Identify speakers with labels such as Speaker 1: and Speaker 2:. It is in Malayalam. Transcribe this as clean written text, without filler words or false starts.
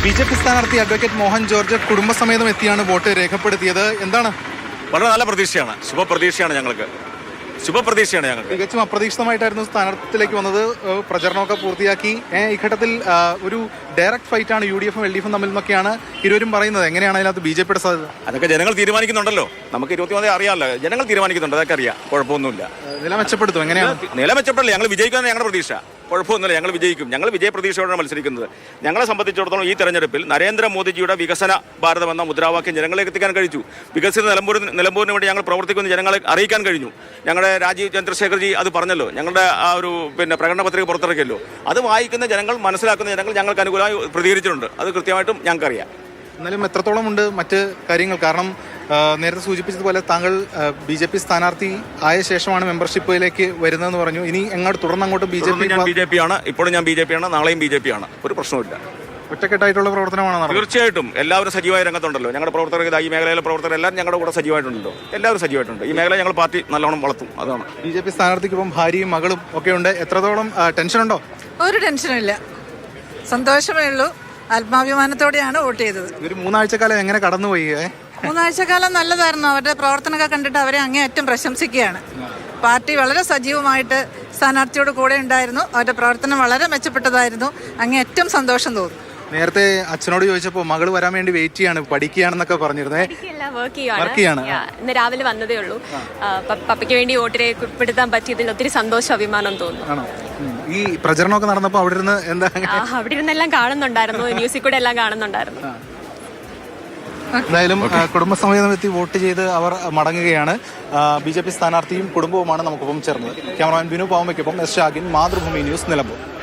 Speaker 1: BJP സ്ഥാനാർത്ഥി അഡ്വക്കേറ്റ് മോഹൻ ജോർജ് കുടുംബസമേതം എത്തിയാണ് വോട്ട് രേഖപ്പെടുത്തിയത്. എന്താണ്?
Speaker 2: വളരെ നല്ല പ്രതീക്ഷയാണ്, ശുഭപ്രതീക്ഷയാണ് ഞങ്ങൾക്ക്.
Speaker 1: തികച്ചും അപ്രതീക്ഷിതമായിട്ടായിരുന്നു സ്ഥാനാർത്ഥിയിലേക്ക് വന്നത്. പ്രചരണമൊക്കെ പൂർത്തിയാക്കി. ഈ ഘട്ടത്തിൽ ഒരു ഡയറക്ട് ഫൈറ്റ് ആണ് UDF ഉം LDF ഉം തമ്മിൽ എന്നൊക്കെയാണ് ഇരുവരും പറയുന്നത്. എങ്ങനെയാണ് അതിനകത്ത് BJPയുടെ സാധ്യത?
Speaker 2: അതൊക്കെ ജനങ്ങൾ തീരുമാനിക്കുന്നുണ്ടല്ലോ. നമുക്ക് 23 അറിയാമല്ലോ, ജനങ്ങൾ തീരുമാനിക്കുന്നുണ്ട്. അതൊക്കെ അറിയാം, കുഴപ്പമൊന്നുമില്ല.
Speaker 1: നില മെച്ചപ്പെടുത്തും. എങ്ങനെയാണ്
Speaker 2: നില മെച്ചപ്പെടില്ല, ഞങ്ങൾ വിജയിക്കാനാണ് ഞങ്ങളുടെ പ്രതീക്ഷ. കുഴപ്പമൊന്നുമില്ല, ഞങ്ങൾ വിജയിക്കും. ഞങ്ങൾ വിജയപ്രതീക്ഷയോടാണ് മത്സരിക്കുന്നത്. ഞങ്ങളെ സംബന്ധിച്ചിടത്തോളം ഈ തെരഞ്ഞെടുപ്പിൽ നരേന്ദ്രമോദിജിയുടെ വികസന ഭാരതം എന്ന മുദ്രാവാക്യം ജനങ്ങളിലേക്ക് എത്തിക്കാൻ കഴിഞ്ഞു. വികസിത നിലമ്പൂരിന് വേണ്ടി ഞങ്ങൾ പ്രവർത്തിക്കുന്ന ജനങ്ങളെ അറിയിക്കാൻ കഴിഞ്ഞു. ഞങ്ങളുടെ രാജീവ് ചന്ദ്രശേഖർജി അത് പറഞ്ഞല്ലോ, ഞങ്ങളുടെ ആ ഒരു പ്രകടന പത്രിക പുറത്തിറക്കിയല്ലോ. അത് വായിക്കുന്ന ജനങ്ങൾ, മനസ്സിലാക്കുന്ന ജനങ്ങൾ ഞങ്ങൾക്ക് അനുകൂലമായി പ്രതികരിച്ചിട്ടുണ്ട്. അത് കൃത്യമായിട്ടും ഞങ്ങൾക്കറിയാം.
Speaker 1: എന്നാലും എത്രത്തോളം ഉണ്ട് മറ്റ് കാര്യങ്ങൾ? കാരണം നേരത്തെ സൂചിപ്പിച്ചതുപോലെ താങ്കൾ BJP സ്ഥാനാർത്ഥി ആയ ശേഷമാണ് മെമ്പർഷിപ്പിലേക്ക് വരുന്നതെന്ന് പറഞ്ഞു. ഇനി എങ്ങോട്ട് തുടർന്നങ്ങോട്ട്
Speaker 2: BJP ആണ്. ഇപ്പോഴും ഞാൻ BJP ആണ്, നാളെയും BJP ആണ്. ഒരു പ്രശ്നമില്ല.
Speaker 1: ഒറ്റക്കെട്ടായിട്ടുള്ള പ്രവർത്തനമാണ്.
Speaker 2: തീർച്ചയായിട്ടും എല്ലാവരും സജീവമായ രംഗത്തുണ്ടല്ലോ. ഞങ്ങളുടെ പ്രവർത്തകർ, ഈ മേഖലയിലെ പ്രവർത്തകർ എല്ലാവരും ഞങ്ങളുടെ കൂടെ സജീവമായിട്ടുണ്ടല്ലോ. എല്ലാവരും സജീവമായിട്ടുണ്ട്. ഈ മേഖല ഞങ്ങൾ പാർട്ടി നല്ലോണം വളർത്തും. അതാണ്.
Speaker 1: BJP സ്ഥാനാർത്ഥിക്കൊപ്പം ഭാര്യയും മകളും ഒക്കെ ഉണ്ട്. എത്രത്തോളം ടെൻഷനുണ്ടോ?
Speaker 3: ഒരു ടെൻഷനില്ല, സന്തോഷമേ ഉള്ളൂ. ആത്മാഭിമാനത്തോടെയാണ് വോട്ട് ചെയ്തത്.
Speaker 1: ഒരു 3 ആഴ്ചക്കാലം എങ്ങനെ കടന്നുപോയി?
Speaker 3: 3 ആഴ്ചക്കാലം നല്ലതായിരുന്നു. അവരുടെ പ്രവർത്തനമൊക്കെ കണ്ടിട്ട് അവരെ അങ്ങേയറ്റം പ്രശംസിക്കുകയാണ്. പാർട്ടി വളരെ സജീവമായിട്ട് സ്ഥാനാർത്ഥിയോട് കൂടെ ഉണ്ടായിരുന്നു. അവരുടെ പ്രവർത്തനം വളരെ മെച്ചപ്പെട്ടതായിരുന്നു. അങ്ങേയറ്റം സന്തോഷം തോന്നുന്നു.
Speaker 1: നേരത്തെ അച്ഛനോട് ചോദിച്ചപ്പോൾ മകള് വരാൻ വേണ്ടി വെയിറ്റ് ചെയ്യാണ്, പഠിക്കുകയാണെന്നൊക്കെ പറഞ്ഞിരുന്നേ.
Speaker 4: വർക്ക് ചെയ്യാണ്. ഇന്ന് രാവിലെ വന്നതേ ഉള്ളൂ. പപ്പയ്ക്ക് വേണ്ടി വോട്ട് രേഖപ്പെടുത്താൻ പറ്റിയതിൽ ഒത്തിരി സന്തോഷം, അഭിമാനം തോന്നുന്നു.
Speaker 1: ഈ പ്രചരണമൊക്കെ നടന്നപ്പോൾ അവിടെ ഇരുന്ന്
Speaker 4: അവിടെ ഇരുന്നെല്ലാം കാണുന്നുണ്ടായിരുന്നു, ന്യൂസിൽ കൂടെ എല്ലാം കാണുന്നുണ്ടായിരുന്നു.
Speaker 1: എന്തായാലും കുടുംബസമേതം എത്തി വോട്ട് ചെയ്ത് അവർ മടങ്ങുകയാണ്. BJP സ്ഥാനാർത്ഥിയും കുടുംബവുമാണ് നമുക്കൊപ്പം ചേർന്നത്. ക്യാമറമാൻ ബിനു പാവമ്മയ്ക്കൊപ്പം S ഷാഗിൻ, മാതൃഭൂമി ന്യൂസ്, നിലമ്പൂർ.